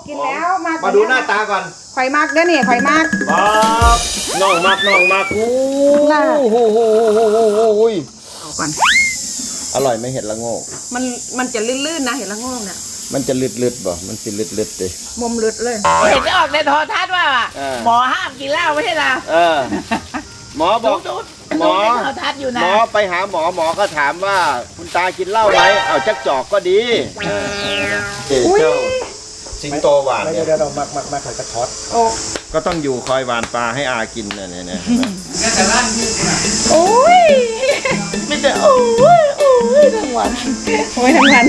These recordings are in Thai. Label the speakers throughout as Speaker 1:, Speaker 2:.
Speaker 1: กินแล้ว
Speaker 2: มาดูหน้าตาก่อน
Speaker 1: ข่อยมากเด้อนี่ข่อยมาก
Speaker 2: น้องมากอู้
Speaker 1: เอาก่อน
Speaker 2: อร่อยไหมเห็ดละโงก
Speaker 1: มันจะลื่นๆนะเห็ดละโงกเนี่ย
Speaker 2: มันจะลืดบ่มันสิลืดดิ
Speaker 1: มุมลึดเลย
Speaker 3: เห็นออกในโทรทัศน์ว่าหมอห้ามกินเหล้าไม่ใช่เหรอ
Speaker 2: หมอบอกหมอไปหาหมอก็ถามว่าคุณตากินเหล้าไหมเอาจักจอกก็ดีเจ้าสิงโตหวานเนี่ย
Speaker 4: เรามาขายกระท้อน
Speaker 2: ก็ต้องอยู่คอยหวานปลาให้อากินเนี่ย
Speaker 3: แต่ร้านที่โอ้ยไม่แต่โอ้ยทั้งวัน
Speaker 1: ทั้งวัน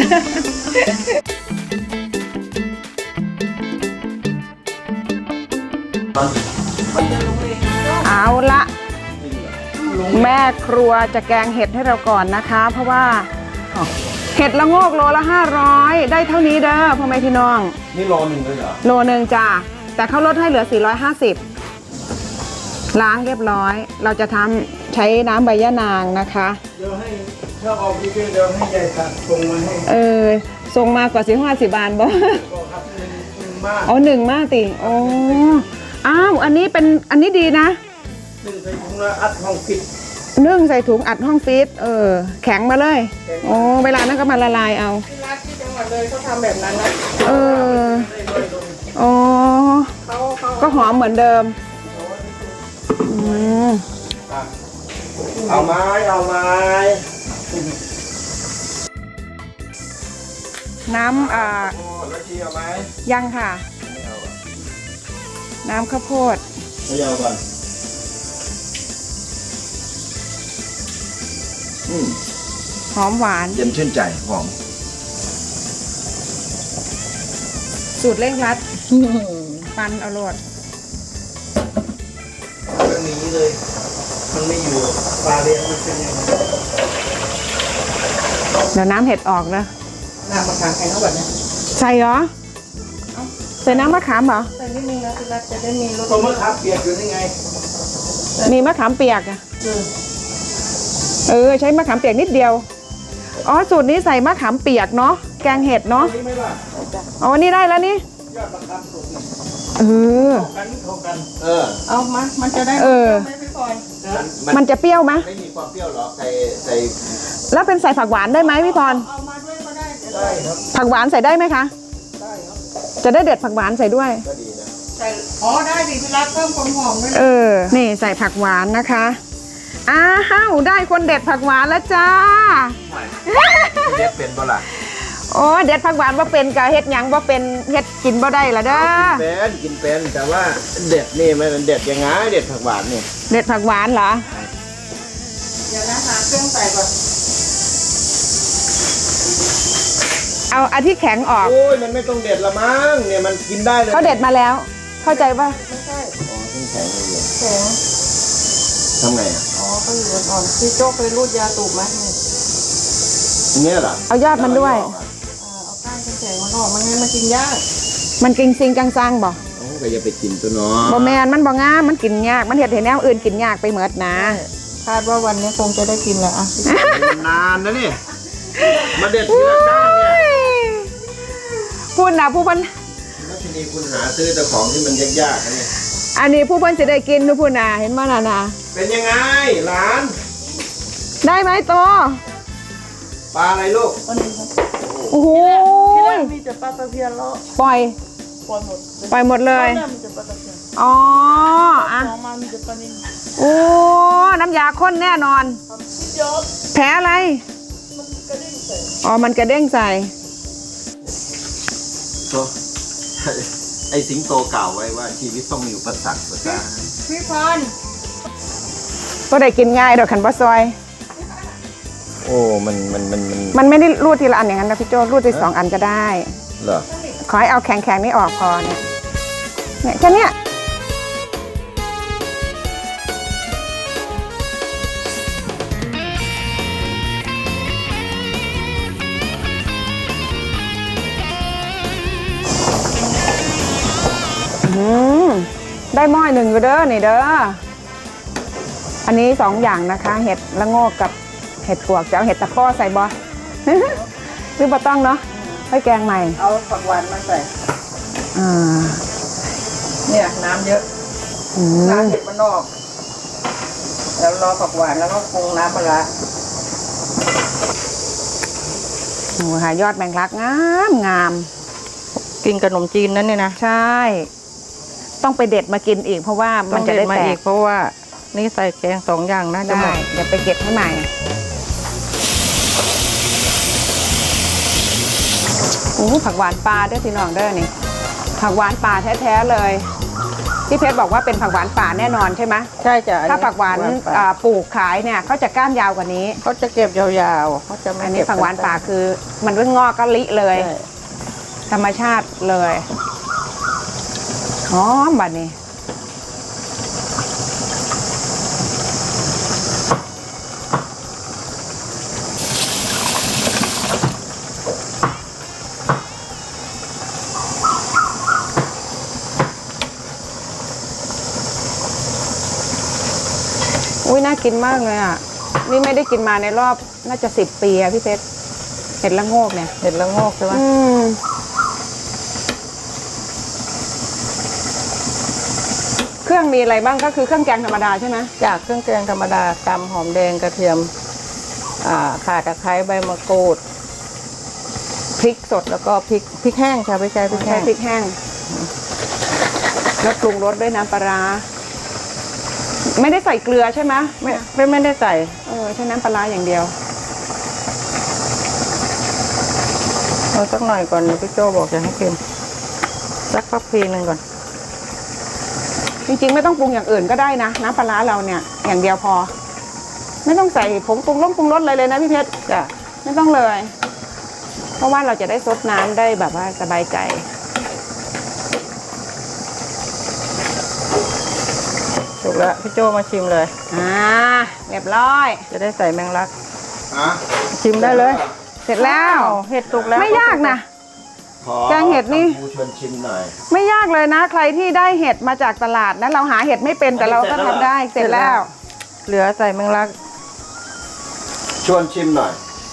Speaker 1: เอาละแม่ครัวจะแกงเห็ดให้เราก่อนนะคะเพราะว่าเห็ดละโงกโลละ500ได้เท่านี้เด้อพ่อแม่พี่น้อง
Speaker 2: นี่โลนึงเลยเหรอ
Speaker 1: โลนึงจ้าแต่เขาลดให้เหลือ450ล้างเรียบร้อยเราจะทำใช้น้ำใบยะนางนะคะ
Speaker 4: เดี๋ยวให้ถ้าออกพี่เดี๋ยวให้ยายส่งมาให้
Speaker 1: ส่งมากว่า50 บาทบ่อ๋อ1 มากติโอ้อ้าวอันนี้ดีนะ
Speaker 4: 1 ใส่ถุงแล้วอัดห้องฟิต
Speaker 1: 1 ใส่ถุงอัดห้องฟิตแข็งมาเลยโอ้เวลานั้นก็มาละลายเอา
Speaker 4: ที่ร้านที่จังหวัดเลยเขาทำแบบนั้นนะ
Speaker 1: อ๋อก็หอมเหมือนเดิม
Speaker 2: เอาไม้
Speaker 1: น้ำ
Speaker 2: แล้วชีเอาไหม
Speaker 1: ยังค่ะน้ำข้าวโพด
Speaker 2: ไม่เอาก่อน
Speaker 1: หอมหวาน
Speaker 2: เย็นชื่นใจหอม
Speaker 1: สูตรเร่งรัดปันอร่อย
Speaker 4: เรื่องนี้เลยมันไม่อยู่ปลาเลี้ยงมันเป็นยังไง
Speaker 1: เดี๋ยวน้ำเห็ดออกนะ
Speaker 4: น้ำมะขามใครเท่าแบบนี้
Speaker 1: ใส่เหรอใส่น้ำมะขามเหรอ
Speaker 4: ใส่นิดนึงนะพี่รัฐจะได้มีรสมะขามเปียกอยู่นี่ไง
Speaker 1: มีมะขามเปียกอ่ะใช้มะขามเปียกนิดเดียวอ๋อสูตรนี้ใส่มะขามเปียกเนาะแกงเห็ดเนาะอ๋อนี่ได้แล้วนี่
Speaker 4: ยอดมะขามสุก
Speaker 3: กันเอามันจะได้
Speaker 1: มันจะเปรี้ยวไหม
Speaker 2: ไม่มีความเปรี้ยวหรอใส่
Speaker 1: แล้วเป็นใส่ผักหวานได้ไหมพี่พร
Speaker 4: เอามาด้วยก็ได้
Speaker 1: ครับผักหวานใส่ได้ไหมคะ
Speaker 4: ได้ครับ
Speaker 1: จะได้เด็ดผักหวานใส่ด้วย
Speaker 2: ก็ดีนะ
Speaker 4: ใส่ได้ดิพี่รัฐเพิ่มความหอมด้วย
Speaker 1: นี่ใส่ผักหวานนะคะอ้าวได้คนเด็ดผักหวานแล้วจ้า
Speaker 2: เด็ดเป็นบ่ล่ะ
Speaker 1: โอ้เด็ดผักหวานว่าเป็นกะเฮ็ดหยังว่าเป็นเฮ็ดกินบ่ได้ละเด้อ
Speaker 2: กินเป็นแต่ว่าเด็ดนี่มันเด็ดยังไงเด็ดผักหวานนี่
Speaker 1: เด็ดผักหวานเหรอ
Speaker 4: เดี๋ยวนะหาเครื่องใส่ก่อน
Speaker 1: เอาอันที่แข็งออก
Speaker 2: โอ้ยมันไม่ต้องเด็ดละมั้งเนี่ยมันกินได้เลย
Speaker 1: เขาเด็ดมาแล้วเข้าใจป่ะ
Speaker 4: ไม่ใช่
Speaker 2: แข็งเลย
Speaker 4: แข็ง
Speaker 2: ทำไง
Speaker 4: เขาอยู่อ่อนพี่โจ๊กไปรูดยาตูบไหม
Speaker 2: เนี่ยเหรอ
Speaker 1: เอายอดมันด้วย
Speaker 4: เอาก้านแข็งมันออกมันงั้นมันกินยาก
Speaker 1: มันกินซิงกังซังบ่
Speaker 2: ก็อย่าไปกินตัวน้อ
Speaker 1: บ่แมนมันบ่งามมันกินยากมันเห็ดแนวอื่นกินยากไปเหมือดนะ
Speaker 4: คาดว่าวันนี้คงจะได้กินแหละ
Speaker 2: นานนะนี่มาเด็ดทีละก้านเนี่ย
Speaker 1: พูดนะผู้พัน
Speaker 2: แล้วทีนี้คุณหาซื้อแต่ของที่มันยากๆนะนี่
Speaker 1: อันนี้ผู้พันจะได้กินทุกผู้นะเห็นมั้ยนะ
Speaker 2: เป็นยังไงหลาน
Speaker 1: ได้ไหมโต
Speaker 2: ปลาอะไรลูก
Speaker 1: โอ้โห
Speaker 4: มีแต่ปลาตะเพียนแล้ว
Speaker 1: ปล่อยหมดเลยอ๋อ
Speaker 4: มามีแต่ปลานิ่ม
Speaker 1: โอ้น้ำยาข้นแน่นอนแผลอะไรมันกระเด้งใส่
Speaker 2: ไอสิงโตกล่าวไว้ว่าชีวิตต้องมีอุปสรรคนะ
Speaker 4: พี่พร
Speaker 1: ก็ได้กินง่ายดอกขันปลาซอย
Speaker 2: โอ้
Speaker 1: มันไม่ได้รูดทีละอันอย่างนั้นนะพี่โจ้รูดที2 อันก็ได้
Speaker 2: เหรอ
Speaker 1: ขอให้เอาแข็งๆนี่ออกพอเนี่ยแค่นี้ได้หม้อ1อยู่เด้อนี่เด้ออันนี้2 อย่างนะคะเห็ดละโงกกับเห็ดปวกจะเอาเห็ดตะข้อใส่บ่หรือบ่ต้องเนาะให้แกงใหม่
Speaker 4: เอาผักหวานมาใส่
Speaker 1: อ่า
Speaker 3: เนี่ยน้ำเยอะน้ำเห็ดมันออกแล้วรอผักหวานแล้วก็ปรุงน้ำปลาร้า
Speaker 1: โอ้หายอดแมงลักงาม
Speaker 3: กินขนมจีนนั่นเนี่ยนะ
Speaker 1: ใช่ ต้องไปเด็ดมากินอีกเพราะว่ามันจะได้
Speaker 3: มา
Speaker 1: แต
Speaker 3: อี
Speaker 1: ก
Speaker 3: กเพราะว่านี่ใส่แกง2 อย่างนะจะหม
Speaker 1: ได้
Speaker 3: ด
Speaker 1: เดี๋ยวไปเก็บให้ใหม่โอ้ผักหวานปลาเด้อพี่น้องเด้อนี่ผักหวานป่าแท้ๆเลยพี่เพชรบอกว่าเป็นผักหวานป่าแน่นอนใช่ไหม
Speaker 3: ใช่จ้ะ
Speaker 1: ถ้าผักหวานปลูกขายเนี่ยเขาจะก้านยาวกว่านี้
Speaker 3: เขาจะเก็บยาวๆเขาจะไม่
Speaker 1: อันนี้
Speaker 3: เก็บ
Speaker 1: ผักหวานป่าคือมันเพิ่งงอกก็ลิเลย
Speaker 3: ใช่
Speaker 1: ธรรมชาติเลยหอมบัดนี้อุ้ยน่ากินมากเลยอ่ะนี่ไม่ได้กินมาในรอบน่าจะ10 ปีอะพี่เพชรเห็ดละโงกเนี่ย
Speaker 3: เห็ดละโงกใช่ไหม
Speaker 1: เครื่องมีอะไรบ้างก็คือเครื่องแกงธรรมดาใช่ไหม
Speaker 3: จากเครื่องแกงธรรมดาตำหอมแดงกระเทียมข่าตะไคร้ใบมะกรูด
Speaker 1: พริกสด
Speaker 3: แล้วก็พริกแห้งค่ะไม่ใช่พริก
Speaker 1: ใช้
Speaker 3: แห้ง
Speaker 1: พริกแห้งแล้วปรุงรสด้วยน้ำปลาร้าไม่ได้ใส่เกลือใช่ไหม
Speaker 3: ไม่ได้ใส่
Speaker 1: ใช้น้ำปลาร้าอย่างเดียว
Speaker 3: เอาสักหน่อยก่อนพี่โจบอกจะให้เค็มสักพักพีหนึ่งก่อน
Speaker 1: จริงๆไม่ต้องปรุงอย่างอื่นก็ได้นะน้ำปลาร้าเราเนี่ยอย่างเดียวพอ ไม่ต้องใส่ผงปรุงรสอะไรเลยนะพี่เพชร
Speaker 3: จ้ะ
Speaker 1: ไม่ต้องเลย เพราะว่าเราจะได้ซดน้ำได้แบบว่าสบายใจ
Speaker 3: ถูกแล้วพี่โจมาชิมเลย
Speaker 1: เรียบร้อย
Speaker 3: จะได้ใส่แมงลัก
Speaker 2: ฮะ
Speaker 3: ชิมได้เลย
Speaker 1: เสร็จแล้ว
Speaker 3: เห็ดสุกแล้ว
Speaker 1: ไม่ยากนะ
Speaker 2: ขอ
Speaker 1: แกงเห็ดนี่
Speaker 2: ผู้ชวนชิมหน่อย
Speaker 1: ไม่ยากเลยนะ ใครที่ได้เห็ดมาจากตลาดนะเราหาเห็ดไม่เป็นแต่เราก็ทำได้เสร็จแล้ว
Speaker 3: เหลือใส่แมงลัก
Speaker 2: ชวนชิมหน่อย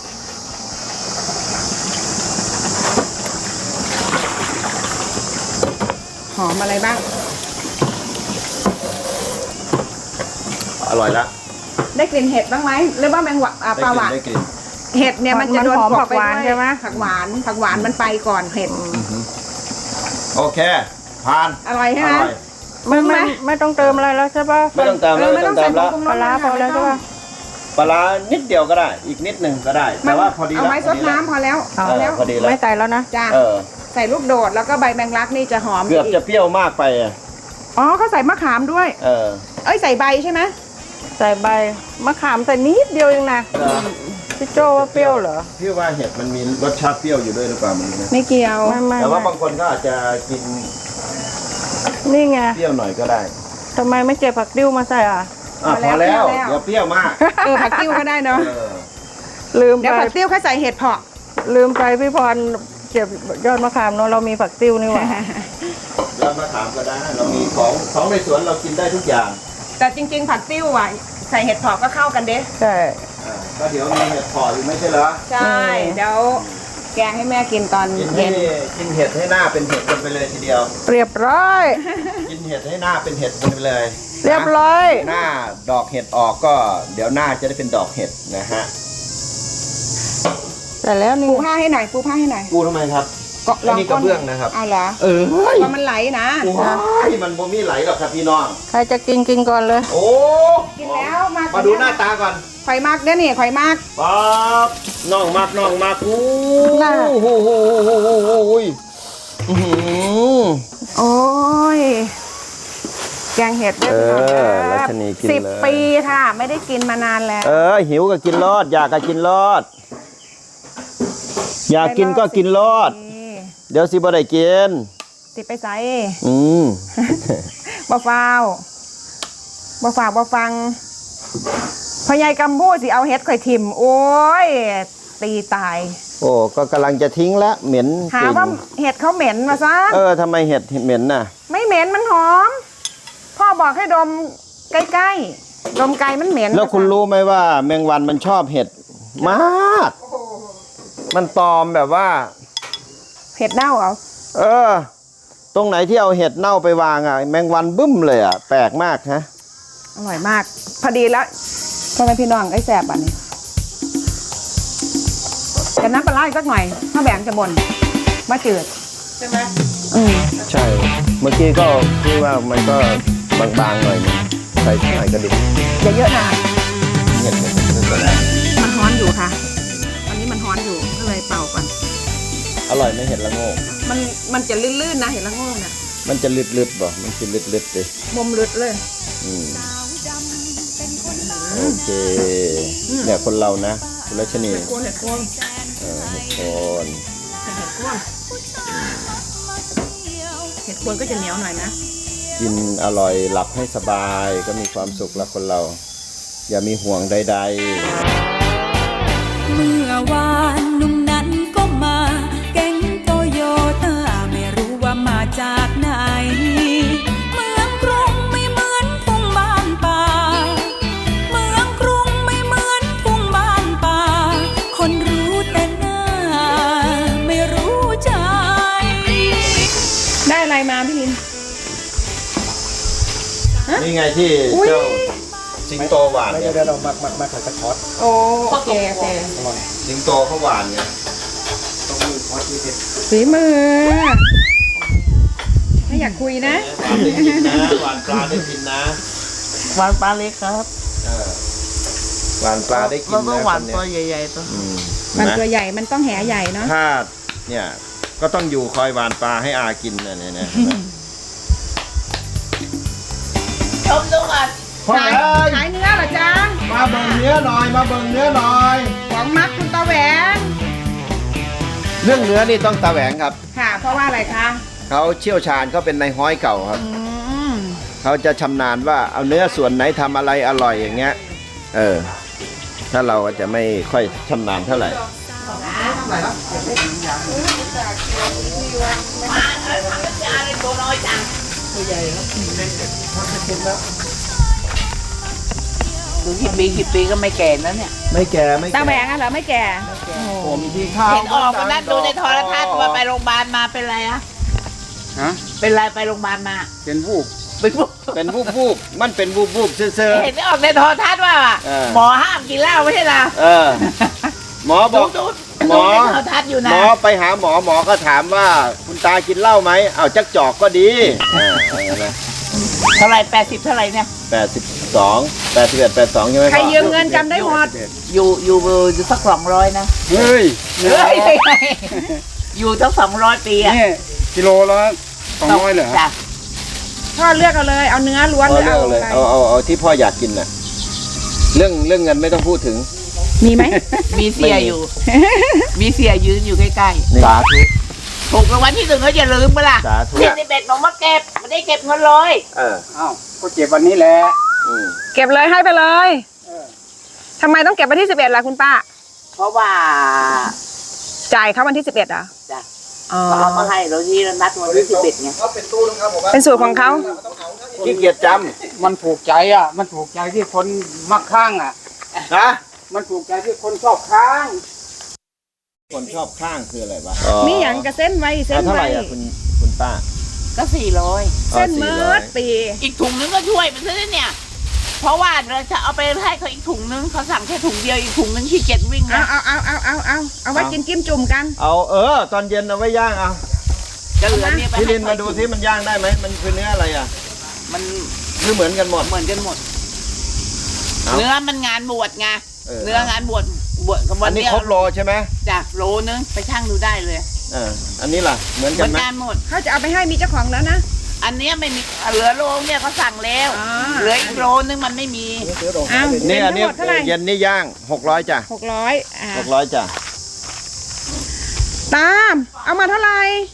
Speaker 1: หอมอะไรบ้าง
Speaker 2: อร่อยละ
Speaker 1: ได้กลิ่นเห็ดบ้างไหมหรือว่าแมงวะปลาหวาน
Speaker 2: ได้กลิ่น
Speaker 1: เห็ดเนี่ยมันจะโดน
Speaker 3: มันหอม
Speaker 1: กลบ
Speaker 3: ผักหวาน
Speaker 1: ไปด้วย
Speaker 3: ใช่ไหม
Speaker 1: ผักหวานมันไปก่อนเห็ด
Speaker 2: โอเคผ่าน
Speaker 1: อร่อยใช่ไหม
Speaker 2: อร่อย
Speaker 3: ไม่
Speaker 1: ปรุงไหม
Speaker 3: ไม่ต้องเติมอะไรแล้วใช่ปะ
Speaker 2: ไม่ต้องตามแล้วไม่ต้องตามแล้ว
Speaker 1: ปรุง
Speaker 3: ปลาร้าพอแล้วใช่ปะ
Speaker 2: ปลาร้านิดเดียวก็ได้ อีกนิดหนึ่งก็ได้ แต่ว่าพอดี
Speaker 1: เอาไว้ซดน้ำพอแล้ว
Speaker 3: เอา
Speaker 1: พอแล้ว
Speaker 2: พอดีแล้ว
Speaker 3: ไม่ใส่แล้วนะ
Speaker 1: จ้า
Speaker 2: เออ
Speaker 1: ใส่ลูกโดดแล้วก็ใบแมงลักนี่จะหอม
Speaker 2: เกือบ
Speaker 1: อีก
Speaker 2: จะเปรี้ยวมากไปอ่ะ
Speaker 1: อ๋อเขาใส่มะขามด้วย
Speaker 2: เออ
Speaker 1: เอ้ยใส่ใบใช่ไหม
Speaker 3: ใส่ใบมะขามใส่นิดเดียวเองนะพี่โจว่าเปรี้ยวเหรอ
Speaker 2: พี่ว่าเห็ดมันมีรสชาติเปรี้ยวอยู่ด้วยหรือเปล่ามันนะ
Speaker 1: ไม่เกี่ยว
Speaker 3: ไม่
Speaker 2: แต่ว่าบางคนก็อาจจะกิน
Speaker 3: นี่ไง
Speaker 2: เปรี้ยวหน่อยก็ได้
Speaker 3: ทำไมไม่เก็บผักดิ้วมาใส่อ่ะ
Speaker 2: อ่ะพอแล้วเดี๋ยวเปรี้ยวมาก
Speaker 1: ผักติ้วก็ได้เนาะ
Speaker 2: เออ
Speaker 3: ลืม
Speaker 1: เดี๋ยว
Speaker 3: ไป
Speaker 1: ผักติ้วเขาใส่เห็ดเผาะ
Speaker 3: ลืมไปพี่พรเก็บยอดมะขามเนาะเรามีผักติ้วนี่หว่า
Speaker 2: แล้วมาถามก็ได้เรามีของในสวนเรากินได้ทุกอย่าง
Speaker 1: แต่จริงๆผักติ้วอ่ะใส่เห็ดเผาะก็เข้ากันเด้
Speaker 3: ใช่
Speaker 2: ก็เดี๋ยวมีเห็ดพออยู่ไม่ใช่เหรอ
Speaker 1: ใช่เดี๋ยวแกงให้แม่กินตอน
Speaker 2: กินให้
Speaker 1: เย็น
Speaker 2: กินเห็ดให้หน้าเป็นเห็ดกันไปเลยทีเดียว
Speaker 3: เรียบร้อย
Speaker 2: กินเห็ดให้หน้าเป็นเห็ดกันไปเลย
Speaker 3: เรียบร้อย
Speaker 2: หน้าดอกเห็ดออกก็ เดี๋ยวหน้าจะได้เป็นดอกเห็ดนะฮะ
Speaker 3: แต่แล้วนี่
Speaker 1: ปูผ้าให้หน่อยปูผ้าให้หน่อย
Speaker 2: กูทำไมครับ
Speaker 1: ก็
Speaker 2: อันนี้กระเบื้องนะครับ
Speaker 1: เอาเหรอ
Speaker 2: เออ
Speaker 1: เพราะมันไหลนะ
Speaker 2: ว้ายมันบ่มีไหลหรอกครับพี่น้อง
Speaker 3: ใครจะกินก่อนเลย
Speaker 2: โอ้
Speaker 1: กินแล้วมา
Speaker 2: มาดูหน้าตาก่อน
Speaker 1: ข่อยมากเด้อนี่ข่อยมาก
Speaker 2: ป๊าบน้องมากอู้
Speaker 3: น่า
Speaker 2: โอ้โหอื้อหือ
Speaker 1: โอ้ยแกงเห็ดด้วยพี่น้อง
Speaker 2: รัชนีกินเลย
Speaker 1: 10 ปีค่ะ ไม่ได้กินมานานแล้ว
Speaker 2: หิวก็กินรอด อยากก็กินรอด อยากกินก็กินรอด เดี๋ยวสิบ่ได้กิน
Speaker 1: สิไปใส่
Speaker 2: อืม
Speaker 1: บ่ฟาวบ่ฝากบ่ฟังพ่อใหญ่กำพูสิเอาเห็ดข่อยถิ่มโอ้ยตีตาย
Speaker 2: โอ้ก็กำลังจะทิ้งแล้วเหม็น
Speaker 1: หา
Speaker 2: จริง
Speaker 1: ว่าเห็ดเขาเหม็นมาซะ
Speaker 2: ทำไมเห็ดเหม็นน่ะ
Speaker 1: ไม่เหม็นมันหอม พ่อบอกให้ดมใกล้ๆดมไกลมันเหม็น
Speaker 2: แล้วคุณรู้ไหมว่า แมงวันมันชอบเห็ดมาก มันตอมแบบว่า
Speaker 1: เห็ดเน่าเหรอ
Speaker 2: เออตรงไหนที่เอาเห็ดเน่าไปวางอ่ะแมงวันบึ้มเลยอ่ะแปลกมากฮะ
Speaker 1: อร่อยมาก พอดีแล้วพ่อแม่พี่น้องไอ้แสบอันนี้กันน้ำปลาร้าอีกสักหน่อยถ้าแหวงจะบ่นมาจืด
Speaker 3: ใช่ไหม
Speaker 2: ใช่ เมื่อกี้ก็คือว่ามันก็บางๆหน่อยนึงใส่หน่อยก็ดี
Speaker 1: อย่าเยอะนะ
Speaker 2: เห็ดไม่เป็นไร
Speaker 1: มันฮ้อนอยู่ค่ะอันนี้มันฮ้อนอยู่ก็เลยเป่าก่อน
Speaker 2: อร่อยไหมเห็ดละโงก
Speaker 1: มันจะลื่นๆนะเห็นละโง่น่ะ
Speaker 2: มันจะลึดๆบ่มันจะลึดๆดิ
Speaker 1: มุมลึดเลย
Speaker 2: อืมโอเคเนี่ยคนเรานะคุณรัชนี
Speaker 1: เห็ดโคนเห็ดโคน
Speaker 2: เห็ดโคน
Speaker 1: เห็ดโคนเห็ดโคนก็จะเหนียวหน่อยนะ
Speaker 2: กินอร่อยหลับให้สบายก็มีความสุขละคนเรา อย่ามีห่วงใดๆ
Speaker 5: เมื่อวานหนุ่มนั้นก็มาแก๊งโตโยต้าไม่รู้ว่ามาจากไหนเมืองกรุงไม่เหมือนทุ่งบ้านป่าเมืองกรุงไม่เหมือนทุ่งบ้านป่าคนรู้แต่หน้าไม่รู้ใจ
Speaker 1: ได้อะไรมาพี่ลิน
Speaker 2: นี่ไงที่เจ้าสิงโตหวานเนี่ย
Speaker 4: เดี๋ยวเรามาใส่กระท้อน
Speaker 1: โอ้โอเคโอเค
Speaker 4: อร่อย
Speaker 2: สิงโตเขาหวานไง
Speaker 4: ต้องมือทอดที่เด็ด
Speaker 1: ฝีมือไม่อยากคุยนะ
Speaker 2: หวานปลาได้กินนะ
Speaker 3: หวานปลาเล็กครับ
Speaker 2: หวานปลาได้กิน
Speaker 3: เราต้อง
Speaker 2: นะ
Speaker 3: หวาน
Speaker 2: ค
Speaker 3: ตัว
Speaker 2: เย
Speaker 3: ใหญ่ๆตัว
Speaker 1: มัน
Speaker 2: นะ
Speaker 1: ตัวใหญ่มันต้องแหใหญ่เนาะ
Speaker 2: ถ้าเนี่ยก็ต้องอยู่คอยหวานปลาให้อากินเนี่ยนะ
Speaker 3: ชมดูก่อน
Speaker 1: ขายขายเนื้อเหรอจ๊ะ
Speaker 2: มาเบิ่งเนื้อหน่อยมาเบิ่งเนื้อหน่อย
Speaker 1: ของมักคุณตาแหวง
Speaker 2: เรื่องเนื้อนี่ต้องตาแหวงครับ
Speaker 1: ค่ะ เพราะว่าอะไรคะ
Speaker 2: เขาเชี่ยวชาญเขาเป็นนายฮ้อยเก่าครับ
Speaker 1: อืม
Speaker 2: เขาจะชำนาญว่าเอาเนื้อส่วนไหนทำอะไรอร่อยอย่างเงี้ยถ้าเราจะไม่ค่อยชำนาญเท่าไหร่
Speaker 3: ดูกี่ปีก็ไม่แก่แล้วเนี่ย
Speaker 2: ไม่แก่ไม่
Speaker 1: ตาแหวงอะเหรอไม่แก่
Speaker 2: ผมที่ข้าว
Speaker 3: เห็นออกมานั่นดูในโทรทัศน์ว่าไปโรงพยาบาลมาเป็นไรอะ
Speaker 4: ฮะ
Speaker 3: เป็นไรไปโรงพยาบาลมา
Speaker 4: เป็นผู้
Speaker 3: เป็นพวก
Speaker 2: เป็นวูบมันเป็นวูบเซ่อ
Speaker 3: เห็นออกในโทรทัศน์ว่า หมอห้ามกินเหล้าไม่ใช่เหรอ
Speaker 2: หมอบอก
Speaker 3: ดู
Speaker 2: หมอ
Speaker 3: ในโทรทัศน์อยู่นะ
Speaker 2: หมอไปหาหมอก็ถามว่าคุณตากินเหล้าไหมเอาจักจอกก็ดีอะไร
Speaker 3: เท่าไหร่80เท่าไหร่เนี่ย
Speaker 2: 82 81 82ใช่ไหม
Speaker 1: ใครยืมเงินจำได้หมด
Speaker 3: อยู่สัก200นะ
Speaker 4: เฮ้ย
Speaker 3: เฮ้ยอยู่ตั้ง200 ปีอะ
Speaker 4: นี่กิโลละ200เหรอ
Speaker 3: จ้ะ
Speaker 1: พ่อเลือกเอาเลย เอาเนื้อล้วน
Speaker 2: พ่
Speaker 1: ห
Speaker 2: อ
Speaker 1: รือ
Speaker 2: เลือกเลย
Speaker 1: เอาอะไร
Speaker 2: เอาที่พ่ออยากกินน่ะเรื่องเงินไม่ต้องพูดถึง
Speaker 1: มีไหม
Speaker 3: มีเสียอยู่ มีเสียยืนอยู่ใกล้
Speaker 2: สาธุ
Speaker 3: ๆถูกรางวัลที่1ก็อย่าลืมไปล่ะ
Speaker 2: สาธุ
Speaker 3: เด็กเด็กๆน้องมาเก็บไม่ได้เก็บเงินเลย
Speaker 4: อ้าวก็เจ็บวันนี้แหละ
Speaker 1: เก็บเลยให้ไปเลยทำไมต้องเก็บวันที่11ล่ะคุณป้า
Speaker 3: เพราะว่า
Speaker 1: จ่ายเขาวันที่11อ่ะ
Speaker 3: จ้ะ
Speaker 1: อ๋อ
Speaker 3: เขาเอามาให้เราที่นัดวันที่11ไง
Speaker 1: เป็นสูตรของเขา
Speaker 2: ขี้เกียจจ
Speaker 4: มันถูกใจอ่ะ มันถูกใจที่คนมักข้างอ่ะ
Speaker 2: ำนะ
Speaker 4: มันถูกใจที่คนชอบข้าง
Speaker 2: คนชอบข้างคืออะไรวะ
Speaker 1: มีอย่างกับเส้นไว้เส้น
Speaker 2: เท่าไห
Speaker 1: ไว้
Speaker 2: ร่อ่ะคุณป้า
Speaker 3: ก็400
Speaker 1: เส้นเมิดปี
Speaker 3: อีกถุงนึงก็ช่วยมันซะเนี่ย เพราะว่าเราจะเอาไปให้เขาอีกถุงนึงเขาสั่งแค่ถุงเดียวอีกถุงนึงขี้เกียจวิ่ง
Speaker 1: เอา
Speaker 3: นะ
Speaker 1: เอาไว้กินกิ้มจุ่มกัน
Speaker 2: เอาตอนเย็นเอาไว้ย่างเอา
Speaker 3: จะเหลือเนี่ยไป
Speaker 2: พี่
Speaker 3: ให้
Speaker 2: ลินมาดูซิมันย่างได้ไหมมันคือเนื้ออะไรอ่ะ
Speaker 3: มัน
Speaker 2: คือเหมือนกันหมด
Speaker 3: เหมือนกันหมด
Speaker 2: เอา
Speaker 3: เนื้อมันงานบวชไง เนื้องานบวชกับวั
Speaker 2: อั
Speaker 3: น
Speaker 2: นนี้
Speaker 3: เนี้ย
Speaker 2: ครบโลใช่ไหม
Speaker 3: จ้ะโลนึงไปช่างดูได้เลย
Speaker 2: อันนี้ล่ะเหมือน
Speaker 3: เห
Speaker 2: กั
Speaker 3: มื
Speaker 2: น
Speaker 3: อน
Speaker 2: ไหม
Speaker 3: กันหมด
Speaker 1: เขาจะเอาไปให้มีเจ้าของแล้วนะ
Speaker 3: อันเนี้ยไม่มีเหลือโลเนี่ยเขาสั่งแล้ว
Speaker 1: อ๋อ
Speaker 3: เหลืออีกโลนึงมันไม่มี
Speaker 1: เอา
Speaker 2: นี่อันนี้
Speaker 1: ทั้งหมดเท่าไหร่
Speaker 2: เย็นนี่ย่าง600จ้ะ
Speaker 1: 600
Speaker 2: 600จ้ะ
Speaker 1: ตามเอามาเท่าไหร่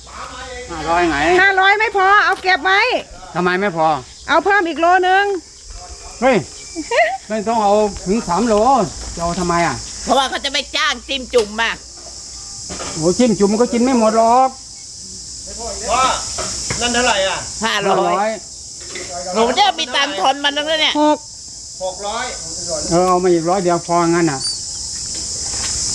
Speaker 4: 500ไง
Speaker 1: 500ไม่พอเอาเก็บไว้
Speaker 4: ทำไมไม่พอ
Speaker 1: เอาเพิ่มอีกโลนึง
Speaker 4: เฮ้ย ไม่ต้องเอาถึง3โลจะเอาทำไมอ่ะ
Speaker 3: เพราะว่าเขาจะไปจ้างจิ้มจุ่มมา
Speaker 4: โอ้จิ้มจุ่มมันก็กินไม่หมดหรอก
Speaker 2: ว่านั่นเท่าไหร่อ่ะ
Speaker 3: 500หนูจะมีตังค์ทนมันนึงแล้วเนี่ย
Speaker 2: 600
Speaker 4: เอามาอีก100เดียวพองั้นอ่ะ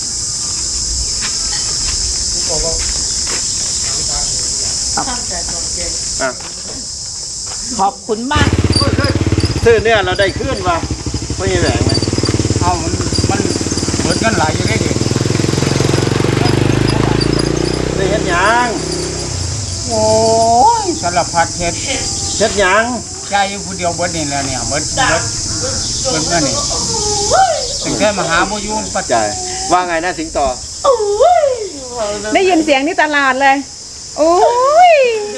Speaker 3: เ
Speaker 2: อ่ะ
Speaker 3: ขอบคุณมาก
Speaker 2: ซื้อเนี่ยเราได้ขึ้นวะไม่ใช่แหวงไหม
Speaker 4: เอามันเหมือนกันหลายอยู่ได้ดิ
Speaker 2: ได้เฮ็ดหยัง
Speaker 4: โอ้ยสารพัดเฮ็ด
Speaker 2: เฮ็ดหยัง
Speaker 4: ใจอยู่ผู้เดียวเบิดนี่แหละเนี่ยเบิดนั่นนี่ถึงแค่มาหาโมยุนปัจ
Speaker 2: ใจว่าไงนะสิงโต
Speaker 1: ได้ยินเสียงที่ตลาดเลยโอ้ย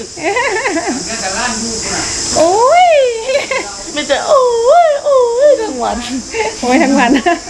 Speaker 1: โอ้ย
Speaker 3: ไม่แต่โอ้ยทั้งวัน
Speaker 1: โอ้ยทั้งวัน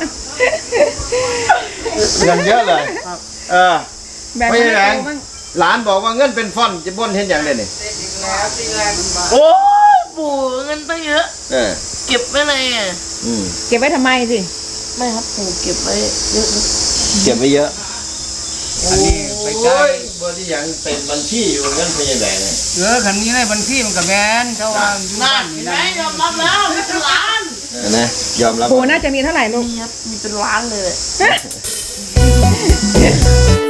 Speaker 2: เงินเยอะเลยเออ
Speaker 1: แบ่ง
Speaker 2: ไม่
Speaker 1: ให้
Speaker 2: ใช่แหวง
Speaker 1: เราบ้าง
Speaker 2: หลานบอกว่าเงินเป็นฟ่อนจะบ่นเห็นอย่างเด่นนี่
Speaker 6: โอ้ยปู่เงินตั้งเยอะ
Speaker 2: เออ
Speaker 6: เก็บไว้เลยอ่ะ
Speaker 2: อืม
Speaker 1: เก็บไว้ทำไมสิ
Speaker 6: ไม่ครับปู่เก็บไว้เยอะนะ
Speaker 2: เก็บไว้เยอะ
Speaker 4: อันนี้ไปใกล้
Speaker 2: บ่ที่ยังเป็นบัญชีอยู่เงินไม่ใช่แหวงเลย
Speaker 4: คันนี้ในบัญชีมันก็แม่นเท่าว่าอยู่
Speaker 6: นั่
Speaker 4: บ้าน นนี่
Speaker 6: ไหน
Speaker 4: นะ
Speaker 6: ยอมรับแล้วมีเป็นล้าน
Speaker 2: นะยอมรับ
Speaker 1: ปูน่าจะมีเท่าไหร่ลูก
Speaker 6: มีครับมีเป็นล้านเลย